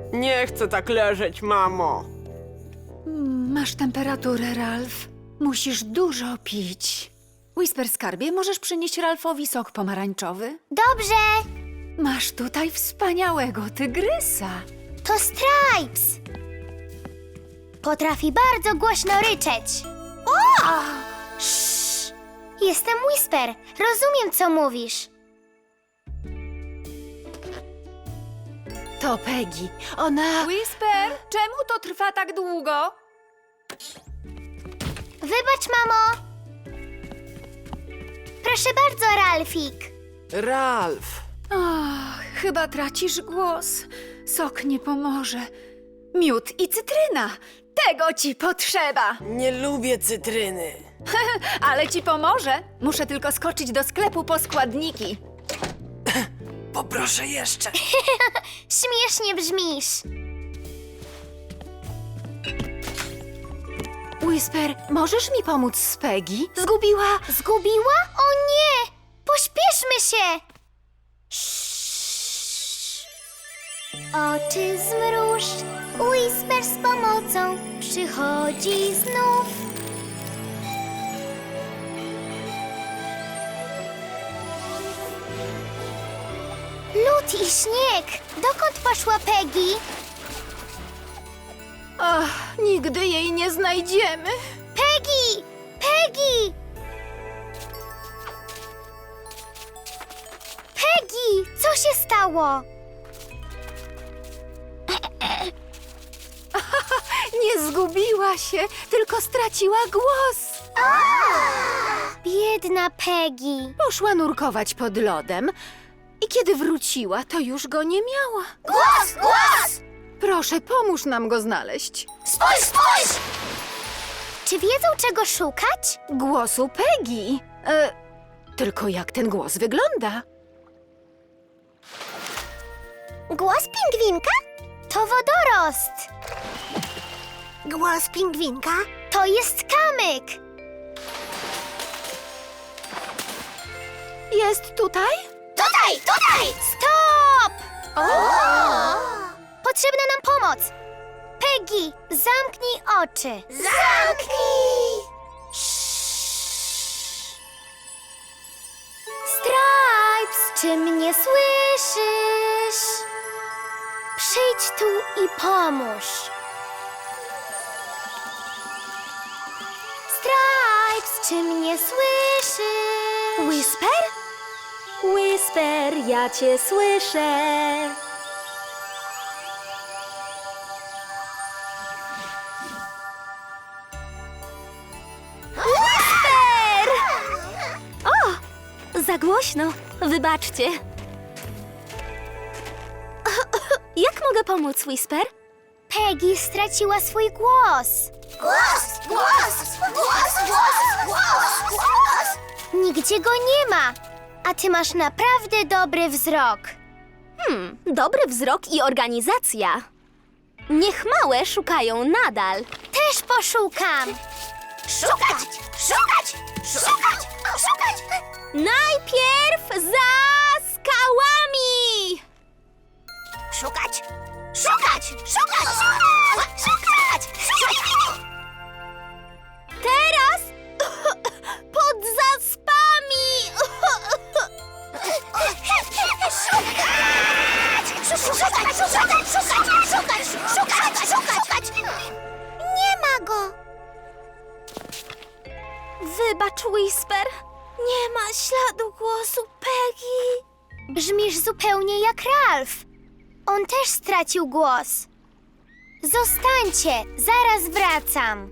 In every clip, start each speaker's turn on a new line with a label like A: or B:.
A: Nie chcę tak leżeć, mamo.
B: Masz temperaturę, Ralf. Musisz dużo pić. Whisper, skarbie, możesz przynieść Ralfowi sok pomarańczowy?
C: Dobrze,
B: Masz tutaj wspaniałego tygrysa.
C: to Stripes. Potrafi bardzo głośno ryczeć. O! Sz! Jestem Whisper. Rozumiem, co mówisz.
B: To Peggy. Ona... Whisper, czemu to trwa tak długo?
C: Wybacz, mamo. Proszę bardzo, Ralfik.
A: Ralf.
B: Ach, chyba tracisz głos. Sok nie pomoże. Miód i cytryna. Tego ci potrzeba.
A: Nie lubię cytryny.
B: Ale ci pomoże. Muszę tylko skoczyć do sklepu po składniki.
A: Poproszę jeszcze.
C: Śmiesznie brzmisz.
B: Whisper, możesz mi pomóc z Peggy? Zgubiła...
C: Zgubiła? O nie! Pośpieszmy się! Oczy zmruż, Whisper z pomocą przychodzi znów. Lód i śnieg! Dokąd poszła Peggy?
B: Ach, nigdy jej nie znajdziemy.
C: Peggy! Peggy! Peggy! Co się stało?
B: Nie zgubiła się, tylko straciła głos.
C: Biedna Peggy.
B: Poszła nurkować pod lodem i kiedy wróciła, to już go nie miała.
C: Głos! Głos!
B: Proszę, pomóż nam go znaleźć.
C: Spójrz, spójrz! Czy wiedzą, czego szukać?
B: Głosu Peggy. Tylko jak ten głos wygląda?
C: Głos pingwinka? To wodorost. Głos pingwinka? To jest kamyk.
B: Jest tutaj?
C: Tutaj, tutaj! Stop! Potrzebna nam pomoc. Peggy, zamknij oczy. Zamknij! Stripes, czy mnie słyszysz? Przyjdź tu i pomóż. Stripes, czy mnie słyszysz?
D: Whisper? Whisper, ja cię słyszę.
C: Whisper!
D: Za głośno, wybaczcie. Jak mogę pomóc, Whisper?
C: Peggy straciła swój głos. Głos! Głos! Głos! Głos! Głos! Głos! Nigdzie go nie ma. A ty masz naprawdę dobry wzrok.
D: Dobry wzrok i organizacja. Niech małe szukają nadal.
C: Też poszukam. Szukać! Szukać! Szukać! Szukać!
D: Najpierw za skałami!
C: Szukać! Szukać! Szukać! Szukać! Szukać!
D: Teraz pod zaspami!
C: Szukać! Nie ma go!
D: Wybacz, Whisper. Nie ma śladu głosu Peggy.
C: Brzmisz zupełnie jak Ralf. On też stracił głos. Zostańcie, zaraz wracam.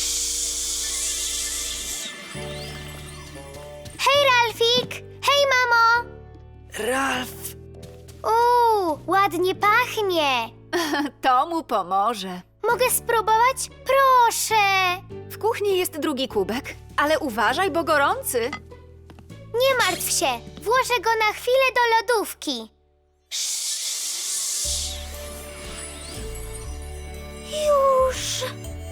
C: Hej, Ralfik! Hej, mamo!
A: Ralf.
C: Ładnie pachnie.
B: To mu pomoże.
C: Mogę spróbować? Proszę!
B: W kuchni jest drugi kubek, ale uważaj, bo gorący.
C: Nie martw się, włożę go na chwilę do lodówki.
D: Już.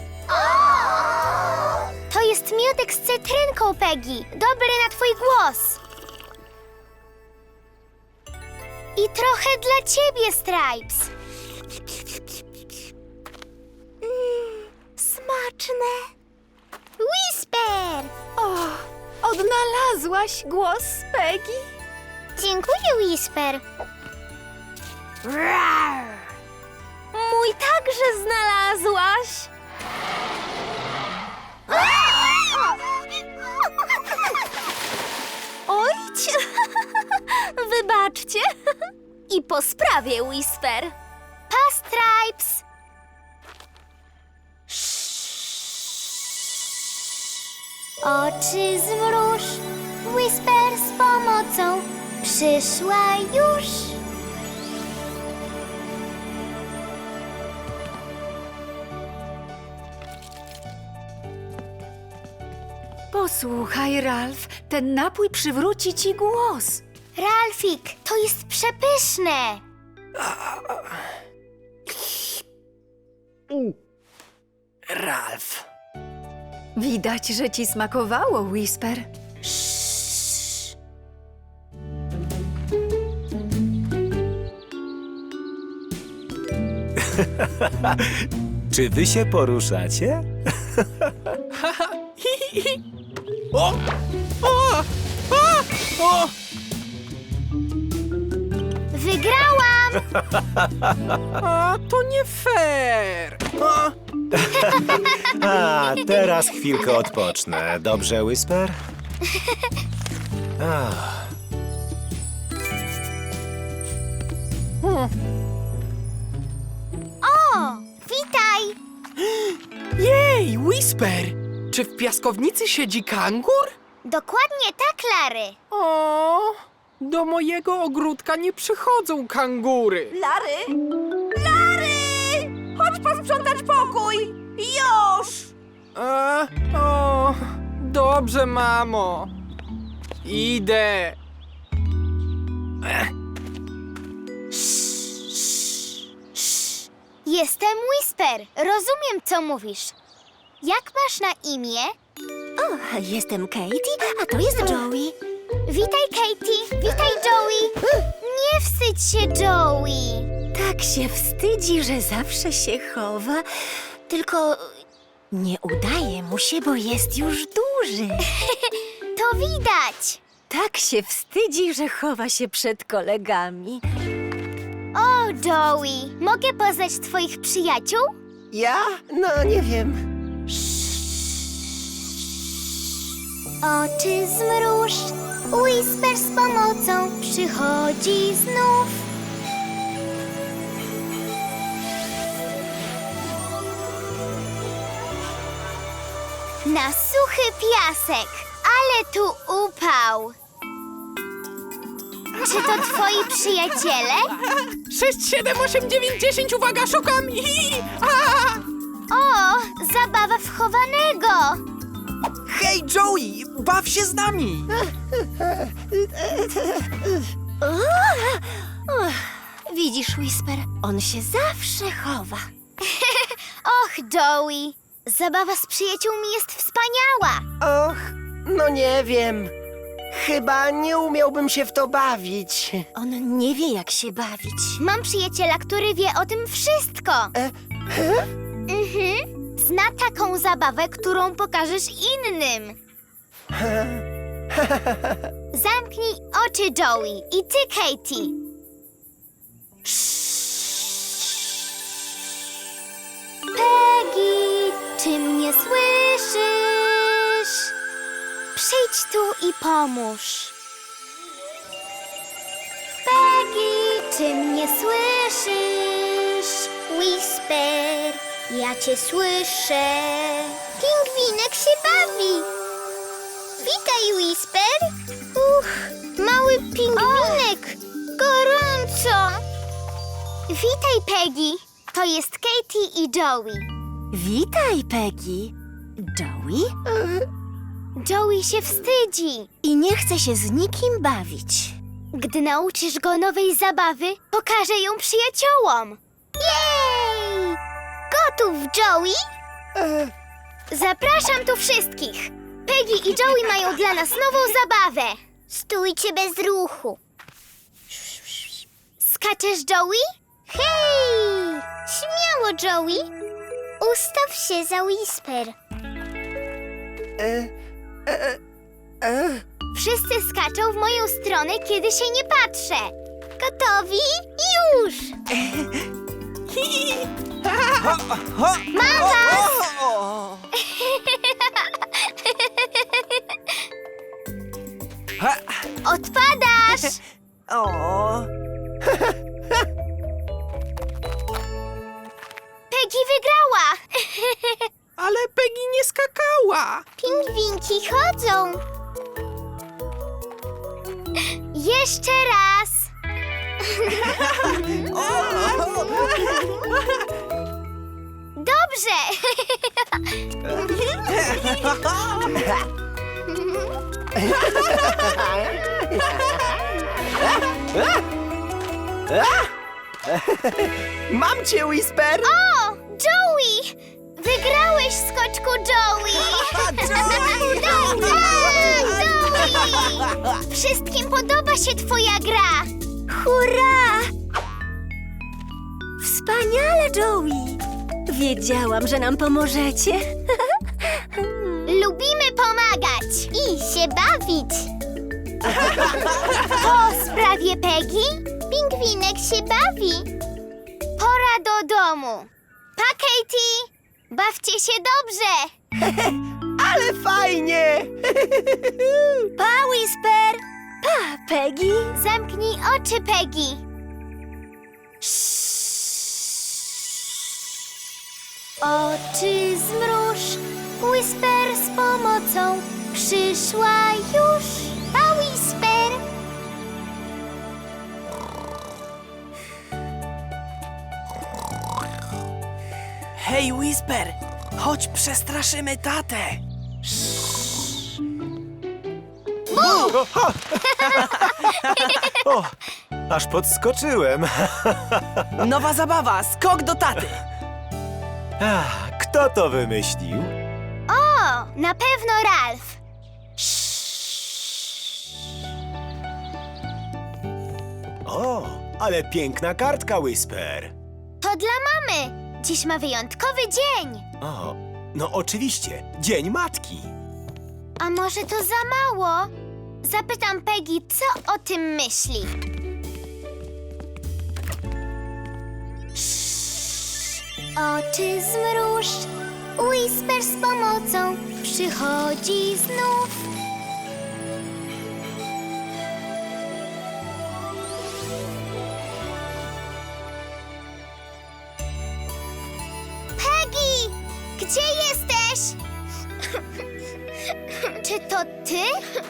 C: To jest miodek z cytrynką, Peggy. Dobry na twój głos. I trochę dla ciebie, Stripes.
D: smaczne.
C: Whisper!
B: O, odnalazłaś głos Peggy?
C: Dziękuję, Whisper.
D: Mój także znalazłaś. Ojcie! Wybaczcie. I po sprawie, Whisper.
C: Pa, Stripes! Oczy zmruż, Whisper z pomocą przyszła już.
B: Posłuchaj, Ralf, ten napój przywróci ci głos.
C: Ralfik, to jest przepyszne.
A: Ralf.
B: Widać, że ci smakowało, Whisper.
E: Czy wy się poruszacie?
A: O! O! O! O!
C: Wygrałam!
A: A, to nie fair! A,
E: A, teraz chwilkę odpocznę. Dobrze, Whisper? Ach,
C: O, witaj!
A: jej, Whisper! Czy w piaskownicy siedzi kangur?
C: Dokładnie tak, Lary.
A: O, do mojego ogródka nie przychodzą kangury.
D: Lary! Lary! Chodź posprzątać pokój! Już!
A: O, dobrze, mamo. Idę.
C: Jestem Whisper. Rozumiem, co mówisz. Jak masz na imię?
D: Jestem Katie, a to jest Joey.
C: Witaj, Katie. Witaj, Joey. Nie wstydź się, Joey.
D: Tak się wstydzi, że zawsze się chowa, tylko nie udaje mu się, bo jest już duży.
C: To widać.
D: Tak się wstydzi, że chowa się przed kolegami.
C: O, Joey, mogę poznać twoich przyjaciół?
A: Ja? No, nie wiem.
C: Oczy zmruż, Whisper z pomocą przychodzi znów. Na suchy piasek, ale tu upał. Czy to twoi przyjaciele?
A: 6, 7, 8, 9, 10, uwaga, szukam! A!
C: O, zabawa w chowanego.
A: Hej, Joey, baw się z nami!
D: Widzisz, Whisper, on się zawsze chowa.
C: Och, Joey, zabawa z przyjaciółmi jest wspaniała.
F: Och, no nie wiem. Chyba nie umiałbym się w to bawić.
D: On nie wie, jak się bawić.
C: Mam przyjaciela, który wie o tym wszystko. Zna taką zabawę, którą pokażesz innym. Zamknij oczy, Joey. I ty, Katie. Peggy, czy mnie słyszysz? Przyjdź tu i pomóż. Peggy, czy mnie słyszysz? Whisper, ja cię słyszę. Pingwinek się bawi. Witaj, Whisper. Mały pingwinek. Gorąco. Witaj, Peggy. To jest Katie i Joey.
D: Witaj, Peggy. Joey?
C: Joey się wstydzi.
D: I nie chce się z nikim bawić.
C: Gdy nauczysz go nowej zabawy, pokażę ją przyjaciołom. Jej! Gotów, Joey? Zapraszam tu wszystkich. Peggy i Joey mają dla nas nową zabawę. Stójcie bez ruchu. Skaczesz, Joey? Hej! Śmiało, Joey. Ustaw się za Whisper. Wszyscy skaczą w moją stronę, kiedy się nie patrzę. Gotowi? Już! Mam was! Odpadasz!
F: O,
C: Peggy wygrała!
A: Ale Peggy nie skakała.
C: Pingwinki chodzą. Jeszcze raz. Dobrze.
F: mam cię, Whisper!
C: O, Joey! Wygrałeś, skoczku Joey! Tak, Joey! Wszystkim podoba się twoja gra!
D: Hurra! Wspaniale, Joey! Wiedziałam, że nam pomożecie.
C: Lubimy pomagać i się bawić. Po sprawie Peggy, pingwinek się bawi. Pora do domu. Pa, Katie! Bawcie się dobrze!
F: Ale fajnie!
D: Pa, Whisper! Pa, Peggy!
C: Zamknij oczy, Peggy. Oczy zmruż, Whisper z pomocą przyszła już. Pa, Whisper!
A: Hej, Whisper, chodź przestraszymy tatę.
E: O, aż podskoczyłem.
A: Nowa zabawa, skok do taty.
E: Kto to wymyślił?
C: O, na pewno Ralph.
E: O, ale piękna kartka, Whisper.
C: To dla mamy. Dziś ma wyjątkowy dzień.
E: O, no oczywiście, Dzień Matki.
C: A może to za mało? Zapytam Peggy, co o tym myśli. Oczy zmruż, Whisper z pomocą przychodzi znów. Peggy! Gdzie jesteś? Czy to ty?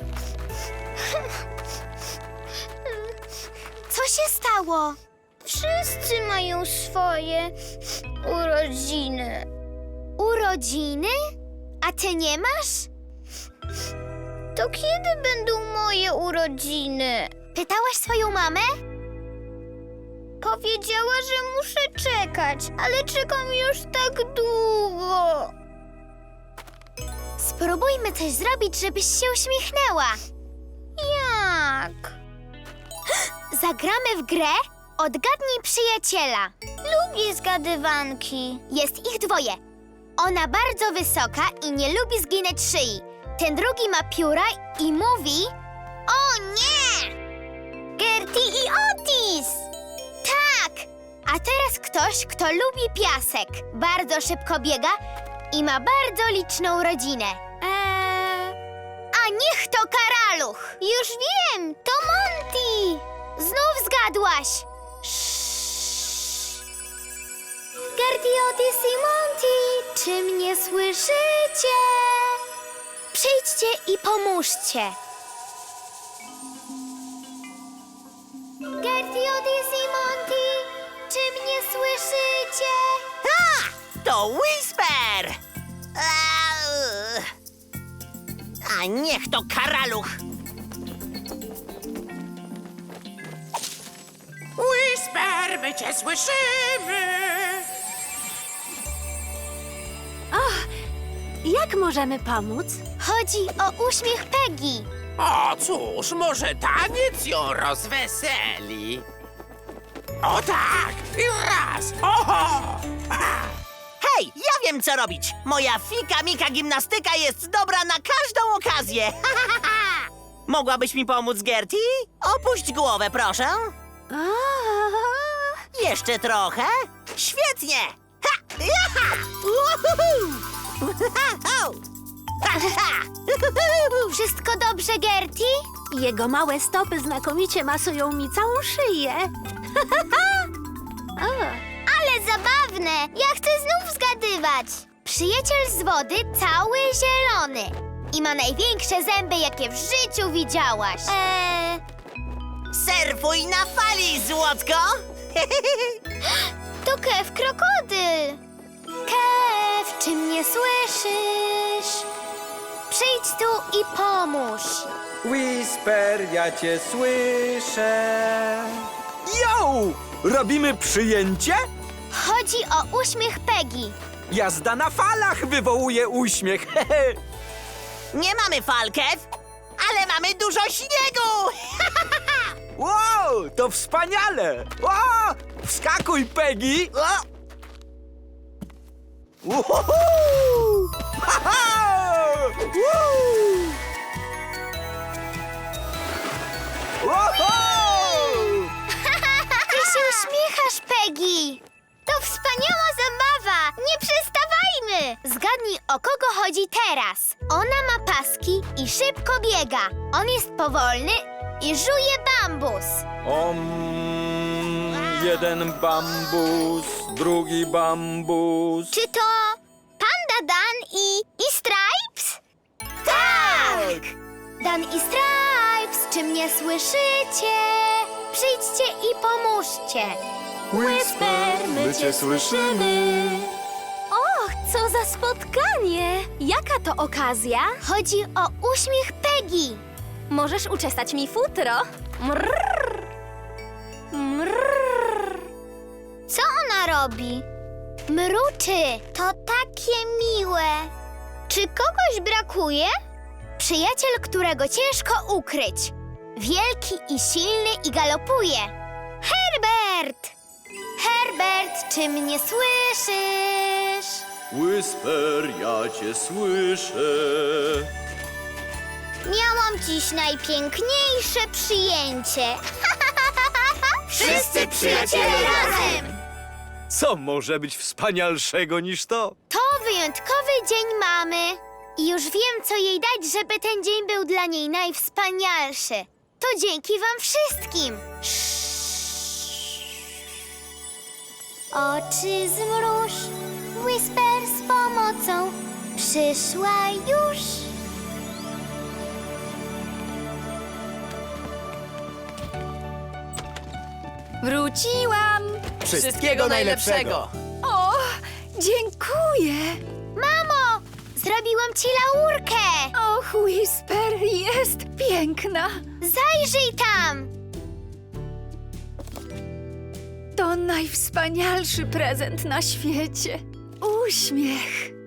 C: Co się stało? Wszyscy mają swoje urodziny. Urodziny? A ty nie masz? To kiedy będą moje urodziny? Pytałaś swoją mamę? Powiedziała, że muszę czekać, ale czekam już tak długo. Spróbujmy coś zrobić, żebyś się uśmiechnęła. Jak? Zagramy w grę Odgadnij przyjaciela. Lubię zgadywanki. Jest ich dwoje. Ona bardzo wysoka i nie lubi zginać szyi. Ten drugi ma pióra i mówi... O nie! Gertie i Otis! Tak! A teraz ktoś, kto lubi piasek. Bardzo szybko biega i ma bardzo liczną rodzinę. A niech to Karaluch! Już wiem! To Monty! Znów zgadłaś! Gertie, Otis i Monty, czy mnie słyszycie? Przyjdźcie i pomóżcie. Gertie, Otis i Monty, czy mnie słyszycie?
G: To Whisper! A niech to Karaluch! Whisper, my cię słyszymy!
B: Jak możemy pomóc?
C: Chodzi o uśmiech Peggy.
G: O cóż, może taniec ją rozweseli? O tak! I raz! Oho! Hej, ja Wiem, co robić. Moja fika-mika gimnastyka jest dobra na każdą okazję. Mogłabyś mi pomóc, Gertie? Opuść głowę, proszę. Jeszcze trochę. Świetnie! Ha! Jaha! Uhuhu! Ha, ha!
C: Wszystko dobrze, Gertie?
D: Jego małe stopy znakomicie masują mi całą szyję.
C: Ale zabawne! Ja chcę znów zgadywać. Przyjaciel z wody cały zielony i ma największe zęby, jakie w życiu widziałaś.
G: Surfuj na fali, złotko!
C: To Kev krokodyl. Kev, czy mnie słyszysz? Przyjdź tu i pomóż.
A: Whisper, ja cię słyszę. Yo! Robimy przyjęcie?
C: Chodzi o uśmiech Peggy.
A: Jazda na falach wywołuje uśmiech.
G: Nie mamy fal, Kev, ale mamy dużo śniegu!
A: Wow, to wspaniale! O, wskakuj, Peggy! O! Uhuhu! Ha-ha! Woo! Uhu!
C: Ty się uśmiechasz, Peggy. To wspaniała zabawa. Nie przestawajmy. Zgadnij, o kogo chodzi teraz. Ona ma paski i szybko biega. On jest powolny i żuje bambus.
A: Jeden bambus, drugi bambus.
C: Czy to Panda Dan i Stripes? Tak! Dan i Stripes, czy mnie słyszycie? Przyjdźcie i pomóżcie.
B: Whisper, my cię słyszymy. Och, co za spotkanie! Jaka to okazja?
C: Chodzi o uśmiech Peggy.
B: Możesz uczesać mi futro. Mrrr. Mrrr.
C: Co ona robi? Mruczy. To takie miłe. Czy kogoś brakuje? Przyjaciel, którego ciężko ukryć. Wielki i silny i galopuje. Herbert! Herbert, czy mnie słyszysz?
H: Whisper, ja cię słyszę.
C: Miałam dziś najpiękniejsze przyjęcie. Wszyscy przyjaciele razem!
A: Co może być wspanialszego niż to?
C: To wyjątkowy dzień mamy. I już wiem, co jej dać, żeby ten dzień był dla niej najwspanialszy. To dzięki wam wszystkim. Oczy zmruż, Whisper z pomocą przyszła już.
B: Wróciłam!
A: Wszystkiego najlepszego!
B: O, dziękuję!
C: Mamo, zrobiłam ci laurkę.
B: Och, Whisper, jest piękna!
C: Zajrzyj tam.
B: To najwspanialszy prezent na świecie. Uśmiech.